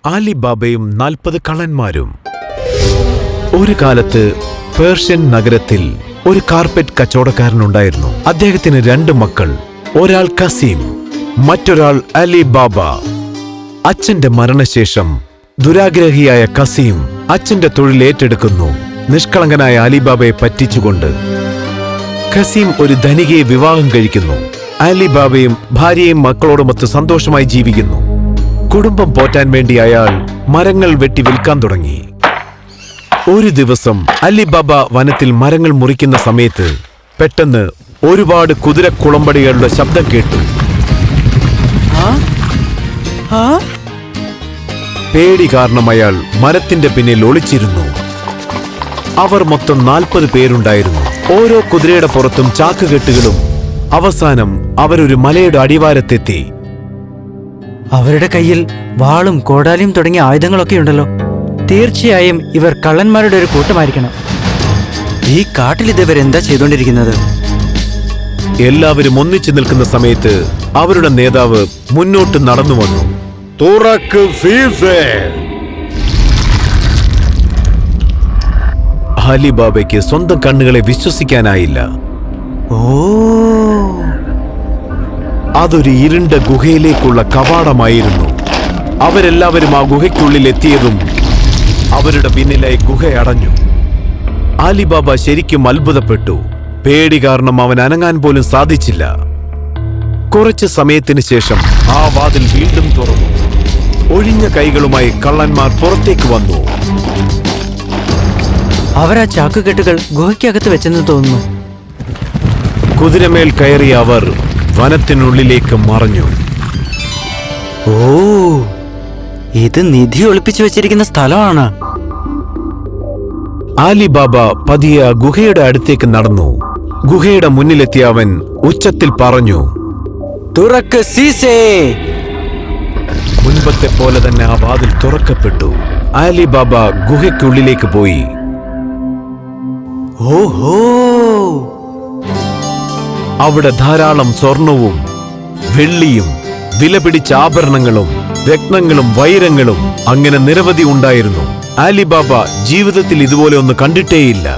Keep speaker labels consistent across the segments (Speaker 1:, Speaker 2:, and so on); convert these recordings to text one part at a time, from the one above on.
Speaker 1: അലിബാബയും 40 കള്ളന്മാരും. ഒരു കാലത്ത് പേർഷ്യൻ നഗരത്തിൽ ഒരു കാർപ്പറ്റ് കച്ചവടക്കാരനുണ്ടായിരുന്നു. അദ്ദേഹത്തിന് 2 മക്കൾ. ഒരാൾ കസീം, മറ്റൊരാൾ അലിബാബ. അച്ഛന്റെ മരണശേഷം ദുരാഗ്രഹിയായ കസീം അച്ഛന്റെ തൊഴിൽ ഏറ്റെടുക്കുന്നു, നിഷ്കളങ്കനായ അലിബാബയെ പറ്റിച്ചുകൊണ്ട്. കസീം ഒരു ധനികയെ വിവാഹം കഴിക്കുന്നു. അലിബാബയും ഭാര്യയും മക്കളോടുമൊത്ത് സന്തോഷമായി ജീവിക്കുന്നു. കുടുംബം പോറ്റാൻ വേണ്ടി അയാൾ മരങ്ങൾ വെട്ടി വിൽക്കാൻ തുടങ്ങി. ഒരു ദിവസം അലിബാബ വനത്തിൽ മരങ്ങൾ മുറിക്കുന്ന സമയത്ത് പെട്ടെന്ന് ഒരുപാട് കുതിരക്കുളമ്പടികളുടെ ശബ്ദം കേട്ടു. പേടി കാരണം അയാൾ മരത്തിന്റെ പിന്നിൽ ഒളിച്ചിരുന്നു. അവർ മൊത്തം 40 പേരുണ്ടായിരുന്നു. ഓരോ കുതിരയുടെ പുറത്തും ചാക്കുകെട്ടുകളും. അവസാനം അവരൊരു മലയുടെ അടിവാരത്തെത്തി.
Speaker 2: അവരുടെ കയ്യിൽ വാളും കോടാലിയും തുടങ്ങിയ ആയുധങ്ങളൊക്കെ ഉണ്ടല്ലോ. തീർച്ചയായും ഇവർ കള്ളന്മാരുടെ ഒരു കൂട്ടമായിരിക്കണം. ഈ കാട്ടിൽ ഇതുവരെന്താ ചെയ്തുകൊണ്ടിരിക്കുന്നത്?
Speaker 1: എല്ലാവരും ഒന്നിച്ചു നിൽക്കുന്ന സമയത്ത് അവരുടെ നേതാവ് മുന്നോട്ട് നടന്നു വന്നു. തുറക്ക് ഫീസേ! അലിബാബയ്ക്ക് സ്വന്തം കണ്ണുകളെ വിശ്വസിക്കാനായില്ല.
Speaker 2: ഓ,
Speaker 1: അതൊരു ഇരുണ്ട ഗുഹയിലേക്കുള്ള കവാടമായിരുന്നു. അവരെല്ലാവരും ആ ഗുഹയ്ക്കുള്ളിൽ എത്തിയതും അവരുടെ പിന്നിലായി ഗുഹ അടഞ്ഞു. അലിബാബ ശരിക്കും അത്ഭുതപ്പെട്ടു. പേടി കാരണം അവൻ അനങ്ങാൻ പോലും സാധിച്ചില്ല. കുറച്ച് സമയത്തിന് ശേഷം ആ വാതിൽ വീണ്ടും തുറന്നു. ഒഴിഞ്ഞ കൈകളുമായി കള്ളന്മാർ പുറത്തേക്ക് വന്നു.
Speaker 2: അവർ ആ ചാക്കുകെട്ടുകൾ ഗുഹയ്ക്കകത്ത് വെച്ചെന്ന് തോന്നുന്നു.
Speaker 1: കുതിരമേൽ കയറിയ അവർ വനത്തിനുള്ളിലേക്ക് മറഞ്ഞു.
Speaker 2: ഓ, ഇത് നിധി ഒളിപ്പിച്ചു വെച്ചിരിക്കുന്ന സ്ഥലമാണ്.
Speaker 1: അലിബാബ പതിയെ ഗുഹയുടെ അടുത്തേക്ക് നടന്നു. ഗുഹയുടെ മുന്നിലെത്തിയ അവൻ ഉച്ചത്തിൽ പറഞ്ഞു,
Speaker 2: തുറക്ക് സീസേ!
Speaker 1: മുൻപത്തെ പോലെ തന്നെ ആ വാതിൽ തുറക്കപ്പെട്ടു. അലിബാബ ഗുഹയ്ക്കുള്ളിലേക്ക് പോയി.
Speaker 2: ഓഹോ!
Speaker 1: അവിടെ ധാരാളം സ്വർണവും വെള്ളിയും വിലപിടിച്ച ആഭരണങ്ങളും രത്നങ്ങളും വൈരങ്ങളും അങ്ങനെ നിരവധി ഉണ്ടായിരുന്നു. അലിബാബ ജീവിതത്തിൽ ഇതുപോലെ ഒന്ന് കണ്ടിട്ടേയില്ല.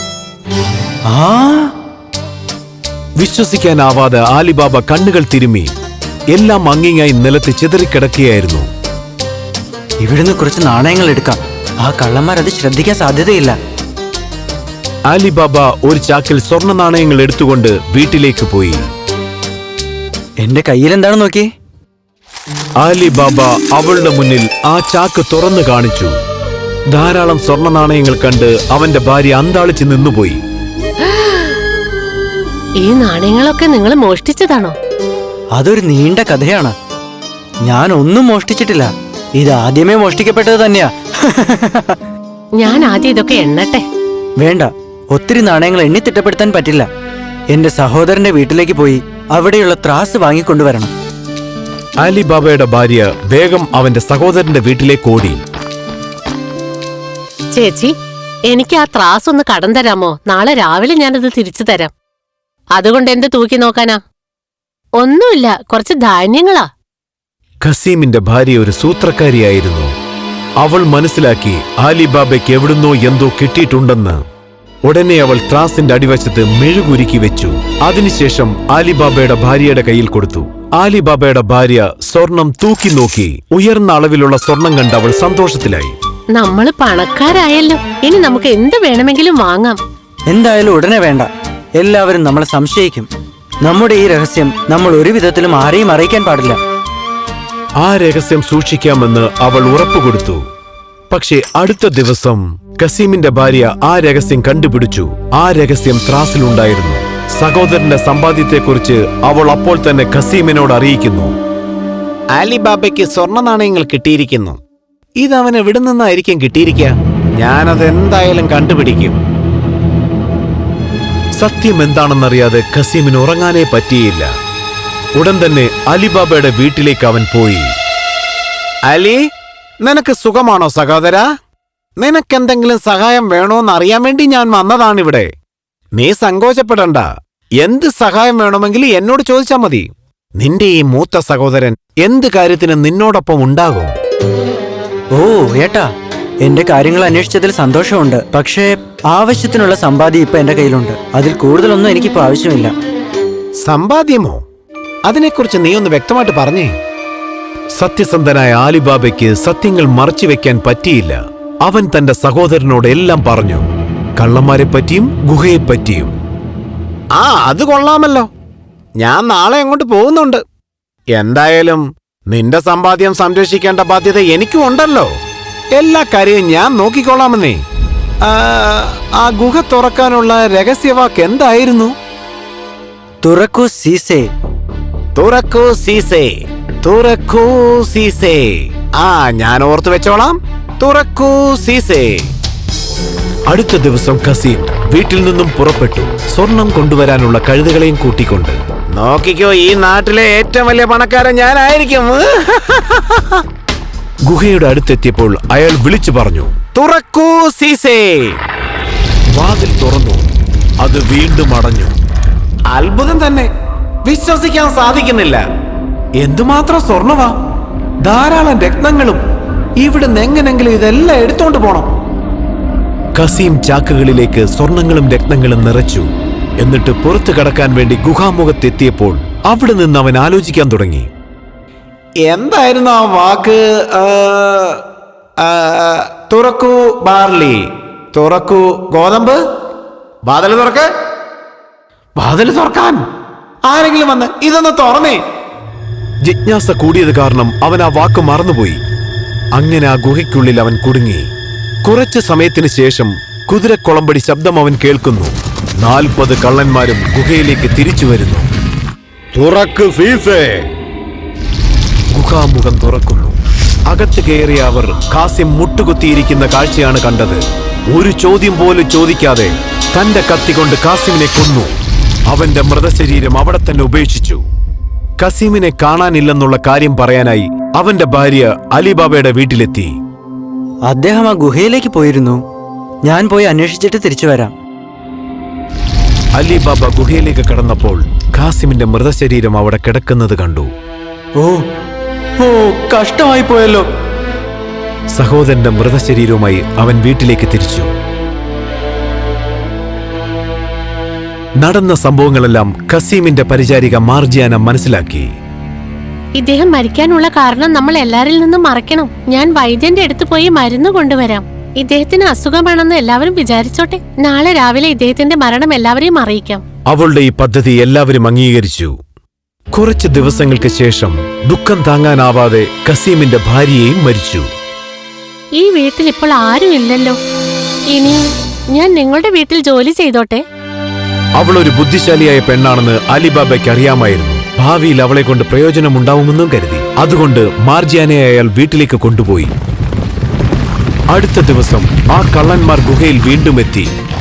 Speaker 1: വിശ്വസിക്കാനാവാതെ അലിബാബ കണ്ണുകൾ തിരുമ്മി. എല്ലാം അങ്ങിങ്ങായി നിലത്ത് ചിതറിക്കിടക്കുകയായിരുന്നു.
Speaker 2: ഇവിടുന്ന് കുറച്ച് നാണയങ്ങൾ എടുക്കാം. ആ കള്ളന്മാരത് ശ്രദ്ധിക്കാൻ സാധ്യതയില്ല.
Speaker 1: അലിബാബ ഒരു ചാക്കിൽ സ്വർണ്ണ നാണയങ്ങൾ എടുത്തുകൊണ്ട് വീട്ടിലേക്ക് പോയി.
Speaker 2: എന്റെ കയ്യിൽ എന്താണ് നോക്കി.
Speaker 1: അലിബാബ അവളുടെ മുന്നിൽ ആ ചാക്ക് തുറന്നു കാണിച്ചു. ധാരാളം സ്വർണ്ണ നാണയങ്ങൾ കണ്ട് അവന്റെ ഭാര്യ അന്താളിച്ച് നിന്നുപോയി.
Speaker 3: ഈ നാണയങ്ങളൊക്കെ നിങ്ങൾ മോഷ്ടിച്ചതാണോ?
Speaker 2: അതൊരു നീണ്ട കഥയാണ്. ഞാൻ ഒന്നും മോഷ്ടിച്ചിട്ടില്ല. ഇത് ആദ്യമേ മോഷ്ടിക്കപ്പെട്ടത് തന്നെയാ.
Speaker 3: ഞാൻ ആദ്യം ഇതൊക്കെ എണ്ണട്ടെ.
Speaker 2: വേണ്ട, ഒത്തിരി നാണയങ്ങൾ എണ്ണി തിട്ടപ്പെടുത്താൻ പറ്റില്ല. എന്റെ സഹോദരന്റെ വീട്ടിലേക്ക് പോയി അവിടെയുള്ള ത്രാസ് വാങ്ങിക്കൊണ്ടുവരണം.
Speaker 1: അലിബാബയുടെ ഭാര്യ വേഗം അവന്റെ സഹോദരന്റെ വീട്ടിലേക്ക് ഓടി.
Speaker 3: ചേച്ചി, എനിക്ക് ആ ത്രാസ് ഒന്ന് കടം തരാമോ? നാളെ രാവിലെ ഞാനത് തിരിച്ചു തരാം. അതുകൊണ്ട് എന്ത് തൂക്കി നോക്കാനാ? ഒന്നുമില്ല, കുറച്ച് ധാന്യങ്ങളാ.
Speaker 1: ഖസീമിന്റെ ഭാര്യ ഒരു സൂത്രക്കാരിയായിരുന്നു. അവൾ മനസ്സിലാക്കി അലിബാബയ്ക്ക് എവിടുന്നോ എന്തോ കിട്ടിയിട്ടുണ്ടെന്ന്. ഉടനെ അവൾ ത്രാസിന്റെ അടിവശത്ത് മെഴുകുരുക്കി വെച്ചു. അതിനുശേഷം അലിബാബയുടെ ഭാര്യയുടെ കയ്യിൽ കൊടുത്തു. അലിബാബയുടെ ഭാര്യ സ്വർണം തൂക്കി നോക്കി. ഉയർന്ന അളവിലുള്ള സ്വർണം കണ്ട് അവൾ സന്തോഷത്തിലായി.
Speaker 3: നമ്മള് പണക്കാരായല്ലോ, ഇനി നമുക്ക് എന്ത് വേണമെങ്കിലും വാങ്ങാം.
Speaker 2: എന്തായാലും ഉടനെ വേണ്ട. എല്ലാവരും നമ്മളെ സംശയിക്കും. നമ്മുടെ ഈ രഹസ്യം നമ്മൾ ഒരു വിധത്തിലും ആരെയും അറിയിക്കാൻ പാടില്ല.
Speaker 1: ആ രഹസ്യം സൂക്ഷിക്കാമെന്ന് അവൾ ഉറപ്പുകൊടുത്തു. പക്ഷേ അടുത്ത ദിവസം ഖസീമിന്റെ ഭാര്യ ആ രഹസ്യം കണ്ടുപിടിച്ചു. ആ രഹസ്യം ത്രാസിലുണ്ടായിരുന്നു. സഹോദരന്റെ സമ്പാദ്യത്തെക്കുറിച്ച് അവൾ അപ്പോൾ തന്നെ ഖസീമിനോട് അറിയിക്കുന്നു. അലിബാബയ്ക്ക് സ്വർണ്ണ നാണയങ്ങൾ കിട്ടിയിരിക്കുന്നു. ഇതവൻ എവിടെ നിന്നായിരിക്കും കിട്ടിയിരിക്കുക? ഞാനത് എന്തായാലും കണ്ടുപിടിക്കും. സത്യം എന്താണെന്നറിയാതെ ഖസീമിന് ഉറങ്ങാനേ പറ്റിയില്ല. ഉടൻ തന്നെ അലിബാബയുടെ വീട്ടിലേക്ക് അവൻ പോയി. അലി, നിനക്ക് സുഖമാണോ സഹോദര? നിനക്കെന്തെങ്കിലും സഹായം വേണോന്ന് അറിയാൻ വേണ്ടി ഞാൻ വന്നതാണിവിടെ. നീ സങ്കോചപ്പെടണ്ട. എന്ത് സഹായം വേണമെങ്കിലും എന്നോട് ചോദിച്ചാൽ മതി. നിന്റെ ഈ മൂത്ത സഹോദരൻ എന്ത് കാര്യത്തിനും നിന്നോടൊപ്പം ഉണ്ടാകും.
Speaker 2: ഓ ഏട്ടാ, എന്റെ കാര്യങ്ങൾ അന്വേഷിച്ചതിൽ സന്തോഷമുണ്ട്. പക്ഷേ ആവശ്യത്തിനുള്ള സമ്പാദ്യം ഇപ്പൊ എന്റെ കയ്യിലുണ്ട്. അതിൽ കൂടുതലൊന്നും എനിക്കിപ്പോ ആവശ്യമില്ല.
Speaker 1: സമ്പാദ്യമോ? അതിനെക്കുറിച്ച് നീ ഒന്ന് വ്യക്തമായിട്ട് പറഞ്ഞേ. സത്യസന്ധനായ അലിബാബയ്ക്ക് സത്യങ്ങൾ മറച്ചുവെക്കാൻ പറ്റിയില്ല. അവൻ തന്റെ സഹോദരനോട് എല്ലാം പറഞ്ഞു, കള്ളന്മാരെ പറ്റിയും ഗുഹയെപ്പറ്റിയും. അത് കൊള്ളാമല്ലോ. ഞാൻ നാളെ അങ്ങോട്ട് പോകുന്നുണ്ട്. എന്തായാലും നിന്റെ സമ്പാദ്യം സംരക്ഷിക്കേണ്ട ബാധ്യത എനിക്കും ഉണ്ടല്ലോ. എല്ലാ കാര്യവും ഞാൻ നോക്കിക്കൊള്ളാമെന്നേ. ആ ഗുഹ തുറക്കാനുള്ള രഹസ്യവാക്ക് എന്തായിരുന്നു?
Speaker 2: തുറക്കൂ സീസേ.
Speaker 1: തുറക്കൂ സീസേ, തുറക്കൂ സീസേ. ഞാൻ ഓർത്തു വെച്ചോളാം. തുറക്കൂ സീസേ. അടുത്ത ദിവസം കസീം വീട്ടിൽ നിന്നും പുറപ്പെട്ടു, സ്വർണം കൊണ്ടുവരാനുള്ള കഴുതകളെയും കൂട്ടിക്കൊണ്ട്. നോക്കിക്കോ, ഈ നാട്ടിലെ ഏറ്റവും വലിയ പണക്കാരൻ ഞാനായിരിക്കും. ഗുഹയുടെ അടുത്തെത്തിയപ്പോൾ അയാൾ വിളിച്ചു പറഞ്ഞു, തുറക്കൂ സീസേ. വാതിൽ തുറന്നു. അത് വീണ്ടും അടഞ്ഞു. അത്ഭുതം തന്നെ, വിശ്വസിക്കാൻ സാധിക്കുന്നില്ല. എന്തുമാത്രം സ്വർണവാ, ധാരാളം രത്നങ്ങളും. ഇവിടുന്ന് എങ്ങനെങ്കിലും ഇതെല്ലാം എടുത്തോണ്ട് പോണം. കസീം ചാക്കുകളിലേക്ക് സ്വർണങ്ങളും രത്നങ്ങളും നിറച്ചു. എന്നിട്ട് പുറത്തു കടക്കാൻ വേണ്ടി ഗുഹാമുഖത്തെത്തിയപ്പോൾ അവിടെ നിന്ന് അവൻ ആലോചിക്കാൻ തുടങ്ങി. എന്തായിരുന്നു ആ വാക്ക്? തുറക്കൂ ബാർലി, തുറക്കൂ ഗോതമ്പ്. വാതിൽ തുറക്ക്. വാതിൽ തുറക്കാൻ ആരെങ്കിലും വന്ന് ഇതൊന്ന് തുറന്നേ. ജിജ്ഞാസ കൂടിയത് കാരണം അവൻ ആ വാക്ക് മറന്നുപോയി. അങ്ങനെ ആ ഗുഹയ്ക്കുള്ളിൽ അവൻ കുടുങ്ങി. കുറച്ചു സമയത്തിന് ശേഷം കുതിരക്കുളമ്പടി ശബ്ദം അവൻ കേൾക്കുന്നു. 40 കള്ളന്മാരും ഗുഹയിലേക്ക് തിരിച്ചു വരുന്നു.
Speaker 4: തുറക്ക് സീസേ.
Speaker 1: ഗുഹാമുഖം തുറക്കുന്നു. അകത്ത് കയറിയ അവർ കാസിം മുട്ടുകുത്തിയിരിക്കുന്ന കാഴ്ചയാണ് കണ്ടത്. ഒരു ചോദ്യം പോലും ചോദിക്കാതെ തന്റെ കത്തി കൊണ്ട് കാസിമിനെ കൊന്നു. അവന്റെ മൃതശരീരം അവിടെ തന്നെ ഉപേക്ഷിച്ചു. കസീമിനെ കാണാനില്ലെന്നുള്ള കാര്യം പറയാനായി അവന്റെ ഭാര്യ അലിബാബയുടെ വീട്ടിലെത്തി.
Speaker 2: അദ്ദേഹം ആ ഗുഹയിലേക്ക് പോയിരുന്നു. ഞാൻ പോയി അന്വേഷിച്ചിട്ട് തിരിച്ചു വരാം.
Speaker 1: അലിബാബ ഗുഹയിലേക്ക് കടന്നപ്പോൾ കാസിമിന്റെ മൃതശരീരം അവിടെ കിടക്കുന്നത് കണ്ടു.
Speaker 2: ഓ ഓ കഷ്ടമായി പോയല്ലോ.
Speaker 1: സഹോദരന്റെ മൃതശരീരവുമായി അവൻ വീട്ടിലേക്ക് തിരിച്ചു. നടന്ന സംഭവങ്ങളെല്ലാം കസീമിന്റെ പരിചാരിക മാർജിയാന മനസ്സിലാക്കി.
Speaker 3: ഇദ്ദേഹം മരിക്കാനുള്ള കാരണം നമ്മൾ എല്ലാരിൽ നിന്നും മറയ്ക്കണം. ഞാൻ വൈദ്യന്റെ അടുത്ത് പോയി മരുന്ന് കൊണ്ടുവരാം. ഇദ്ദേഹത്തിന് അസുഖമാണെന്ന് എല്ലാവരും വിചാരിച്ചോട്ടെ. നാളെ രാവിലെ ഇദ്ദേഹത്തിന്റെ മരണം എല്ലാവരെയും അറിയിക്കാം.
Speaker 1: അവളുടെ ഈ പദ്ധതി എല്ലാവരും അംഗീകരിച്ചു. കുറച്ച് ദിവസങ്ങൾക്ക് ശേഷം ദുഃഖം താങ്ങാനാവാതെ കസീമിന്റെ ഭാര്യയെയും മരിച്ചു.
Speaker 3: ഈ വീട്ടിൽ ഇപ്പോൾ ആരും ഇല്ലല്ലോ. ഇനി ഞാൻ നിങ്ങളുടെ വീട്ടിൽ ജോലി ചെയ്തോട്ടെ.
Speaker 1: അവൾ ഒരു ബുദ്ധിശാലിയായ പെണ്ണാണെന്ന് അലിബാബയ്ക്ക് അറിയാമായിരുന്നു. ഭാവിയിൽ അവളെ കൊണ്ട് പ്രയോജനമുണ്ടാവുമെന്നും കരുതി. അതുകൊണ്ട് മാർജിയാനെ അയാൾ വീട്ടിലേക്ക് കൊണ്ടുപോയി. അടുത്ത ദിവസം ആ കള്ളന്മാർ ഗുഹയിൽ വീണ്ടും എത്തി.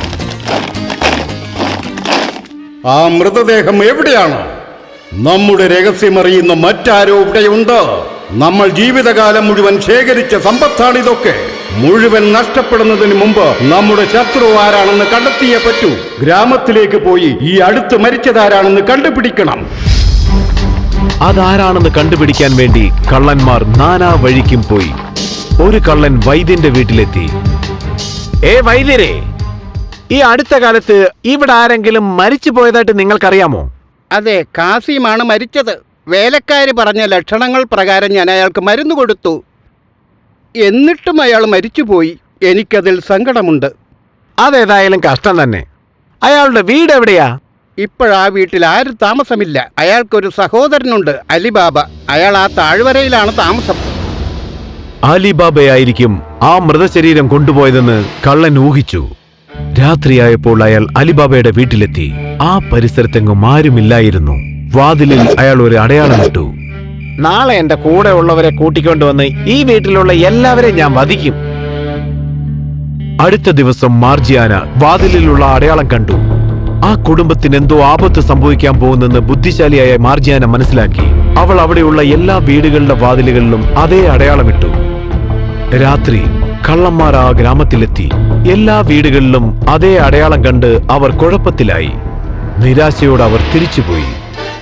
Speaker 4: ആ മൃതദേഹം എവിടെയാണ്? നമ്മുടെ രഹസ്യമറിയുന്ന മറ്റാരോ ഇവിടെയുണ്ട്. നമ്മൾ ജീവിതകാലം മുഴുവൻ ശേഖരിച്ച സമ്പത്താണിതൊക്കെ. മുഴുവൻ നഷ്ടപ്പെടുന്നതിന് മുമ്പ് നമ്മുടെ ശത്രു ആരാണെന്ന് കണ്ടെത്തിയേ പറ്റൂ. ഗ്രാമത്തിലേക്ക് പോയി ഈ അടുത്ത് മരിച്ചതാരാണെന്ന് കണ്ടുപിടിക്കണം.
Speaker 1: അതാരാണെന്ന് കണ്ടുപിടിക്കാൻ വേണ്ടി കള്ളന്മാർ നാനാ വഴിക്കും പോയി. ഒരു കള്ളൻ വൈദ്യന്റെ വീട്ടിലെത്തി. വൈദ്യരെ, ഈ അടുത്ത കാലത്ത് ഇവിടെ ആരെങ്കിലും മരിച്ചു പോയതായിട്ട് നിങ്ങൾക്കറിയാമോ?
Speaker 5: അതെ, കാസിമാണ് മരിച്ചത്. വേലക്കാരി പറഞ്ഞ ലക്ഷണങ്ങൾ പ്രകാരം ഞാൻ അയാൾക്ക് മരുന്ന് കൊടുത്തു. എന്നിട്ടും അയാൾ മരിച്ചുപോയി. എനിക്കതിൽ സങ്കടമുണ്ട്.
Speaker 1: അതേതായാലും കഷ്ടം തന്നെ. അയാളുടെ വീട് എവിടെയാ?
Speaker 5: ഇപ്പോഴാ വീട്ടിൽ ആരും താമസമില്ല. അയാൾക്കൊരു സഹോദരനുണ്ട്, അലിബാബ. അയാൾ ആ താഴ്വരയിലാണ് താമസം.
Speaker 1: അലിബാബയായിരിക്കും ആ മൃതശരീരം കൊണ്ടുപോയതെന്ന് കള്ളൻ ഊഹിച്ചു. രാത്രിയായപ്പോൾ അയാൾ അലിബാബയുടെ വീട്ടിലെത്തി. ആ പരിസരത്തെങ്ങും ആരുമില്ലായിരുന്നു. വാതിലിൽ അയാൾ ഒരു അടയാളം ഇട്ടു. നാളെ എന്റെ കൂടെ ഉള്ളവരെ കൂട്ടിക്കൊണ്ടുവന്ന് ഈ വീട്ടിലുള്ള എല്ലാവരെയും ഞാൻ വധിക്കും. അടുത്ത ദിവസം മാർജിയാന വാതിലിലുള്ള അടയാളം കണ്ടു. ആ കുടുംബത്തിന് എന്തോ ആപത്ത് സംഭവിക്കാൻ പോകുന്നെന്ന് ബുദ്ധിശാലിയായ മാർജിയാന മനസ്സിലാക്കി. അവൾ അവിടെയുള്ള എല്ലാ വീടുകളുടെ വാതിലുകളിലും അതേ അടയാളമിട്ടു. രാത്രി കള്ളന്മാർ ആ ഗ്രാമത്തിലെത്തി. എല്ലാ വീടുകളിലും അതേ അടയാളം കണ്ട് അവർ കുഴപ്പത്തിലായി. നിരാശയോടെ അവർ തിരിച്ചുപോയി.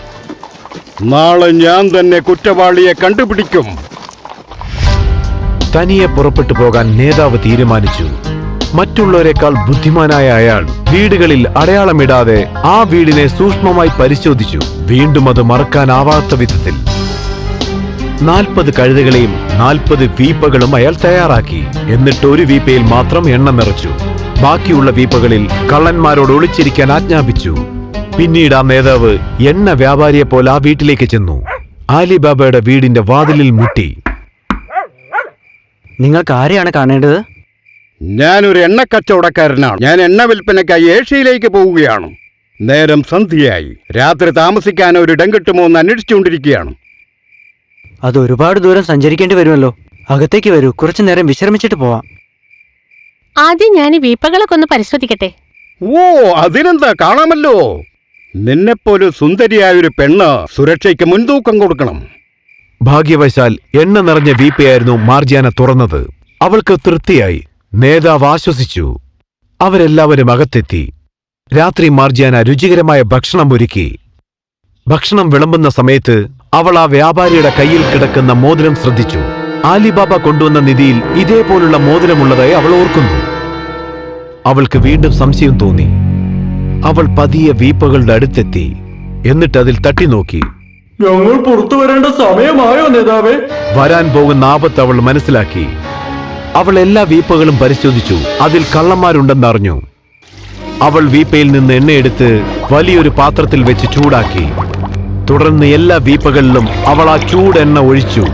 Speaker 4: നാളെ ഞാൻ തന്നെ കുറ്റവാളിയെ കണ്ടുപിടിക്കും.
Speaker 1: തനിയെ പുറപ്പെട്ടു പോകാൻ നേതാവ് തീരുമാനിച്ചു. മറ്റുള്ളവരെക്കാൾ ബുദ്ധിമാനായ അയാൾ വീടുകളിൽ അടയാളമിടാതെ ആ വീടിനെ സൂക്ഷ്മമായി പരിശോധിച്ചു. വീണ്ടും അത് മറക്കാനാവാത്ത വിധത്തിൽ 40 കഴുതകളെയും 40 വീപ്പകളും അയാൾ തയ്യാറാക്കി. എന്നിട്ട് ഒരു വീപ്പയിൽ മാത്രം എണ്ണ നിറച്ചു. ബാക്കിയുള്ള വീപ്പകളിൽ കള്ളന്മാരോട് ഒളിച്ചിരിക്കാൻ ആജ്ഞാപിച്ചു. പിന്നീട് ആ നേതാവ് എണ്ണ വ്യാപാരിയെ പോലെ ആ വീട്ടിലേക്ക് ചെന്നു. ആലിബാബയുടെ വീടിന്റെ വാതിലിൽ മുട്ടി.
Speaker 2: നിങ്ങൾക്ക് ആരെയാണ് കാണേണ്ടത്?
Speaker 5: ഞാനൊരു എണ്ണക്കച്ചവടക്കാരനാണ്. ഞാൻ എണ്ണ വിൽപ്പനയ്ക്കായി ഏഷ്യയിലേക്ക് പോവുകയാണ്. നേരം സന്ധ്യയായി. രാത്രി താമസിക്കാൻ ഒരു ഇടം കിട്ടുമോ എന്ന് അന്വേഷിച്ചുകൊണ്ടിരിക്കുകയാണ്.
Speaker 2: അത് ഒരുപാട് ദൂരം സഞ്ചരിക്കേണ്ടി വരുമല്ലോ. അകത്തേക്ക് വരൂ, കുറച്ചു നേരം വിശ്രമിച്ചിട്ട് പോവാം.
Speaker 3: ആദ്യം ഞാൻ ഈ വീപ്പകളൊക്കെ ഒന്ന് പരിശോധിക്കട്ടെ.
Speaker 5: ഓ, അതിനെന്താ, കാണാമല്ലോ. നിന്നെപ്പോലെ സുന്ദരിയായൊരു പെണ്ണ് സുരക്ഷയ്ക്ക് മുൻതൂക്കം കൊടുക്കണം.
Speaker 1: ഭാഗ്യവശാൽ എണ്ണ നിറഞ്ഞ വീപ്പയായിരുന്നു മാർജിയാന തുറന്നത്. അവൾക്ക് തൃപ്തിയായി. നേതാവ് ആശ്വസിച്ചു. അവരെല്ലാവരും അകത്തെത്തി. രാത്രി മാർജിയാന രുചികരമായ ഭക്ഷണം ഒരുക്കി. ഭക്ഷണം വിളമ്പുന്ന സമയത്ത് അവൾ ആ വ്യാപാരിയുടെ കയ്യിൽ കിടക്കുന്ന മോതിരം ശ്രദ്ധിച്ചു. ആലിബാബ കൊണ്ടുവന്ന നിധിയിൽ ഇതേപോലുള്ള മോതിരമുള്ളതായി അവൾ ഓർക്കുന്നു. അവൾക്ക് വീണ്ടും സംശയം തോന്നി. അവൾ പതിയെ വീപ്പകളുടെ അടുത്തെത്തി. എന്നിട്ട് അതിൽ തട്ടി നോക്കി.
Speaker 2: ഞങ്ങൾ പുറത്തു വരേണ്ട സമയമായോ നേതാവേ?
Speaker 1: വരാൻ പോകുന്ന ആപത്ത് അവൾ മനസ്സിലാക്കി. അവൾ എല്ലാ വീപ്പകളും പരിശോധിച്ചു. അതിൽ കള്ളന്മാരുണ്ടെന്നറിഞ്ഞു. അവൾ വീപ്പയിൽ നിന്ന് എണ്ണയെടുത്ത് വലിയൊരു പാത്രത്തിൽ വെച്ച് ചൂടാക്കി. തുടർന്ന് എല്ലാ വീപ്പകളിലും അവൾ ആ ചൂടെണ്ണ ഒഴിച്ചു.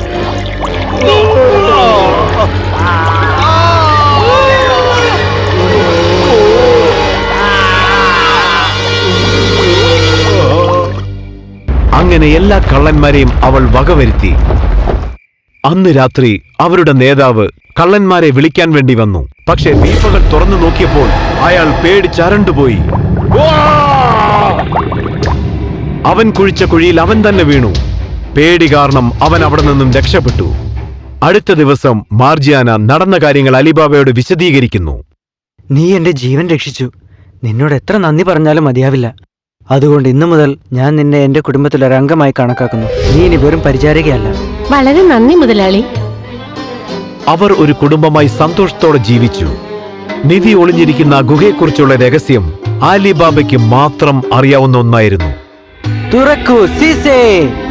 Speaker 1: അങ്ങനെ എല്ലാ കള്ളന്മാരെയും അവൾ വകവരുത്തി. അന്ന് രാത്രി അവരുടെ നേതാവ് കള്ളന്മാരെ വിളിക്കാൻ വേണ്ടി വന്നു. പക്ഷേ വീപ്പകൾ തുറന്നു നോക്കിയപ്പോൾ അയാൾ പേടിച്ചരണ്ടുപോയി. അവൻ കുഴിച്ച കുഴിയിൽ അവൻ തന്നെ വീണു. പേടി കാരണം അവൻ അവിടെ നിന്നും രക്ഷപ്പെട്ടു. അടുത്ത ദിവസം മാർജിയാന നടന്ന കാര്യങ്ങൾ അലിബാബയോട് വിശദീകരിക്കുന്നു.
Speaker 2: നീ എന്റെ ജീവൻ രക്ഷിച്ചു. നിന്നോട് എത്ര നന്ദി പറഞ്ഞാലും മതിയാവില്ല. അതുകൊണ്ട് ഇന്നു മുതൽ ഞാൻ നിന്നെ എന്റെ കുടുംബത്തിലൊരു അംഗമായി കണക്കാക്കുന്നു. നീ ഇനി വെറും പരിചാരികയല്ല.
Speaker 3: വളരെ നന്ദി മുതലാളി.
Speaker 1: അവർ ഒരു കുടുംബമായി സന്തോഷത്തോടെ ജീവിച്ചു. നിധി ഒളിഞ്ഞിരിക്കുന്ന ആ ഗുഹയെക്കുറിച്ചുള്ള രഹസ്യം ആലിബാബയ്ക്ക് മാത്രം അറിയാവുന്ന ഒന്നായിരുന്നു.
Speaker 2: തുറക്കൂ സീസേ.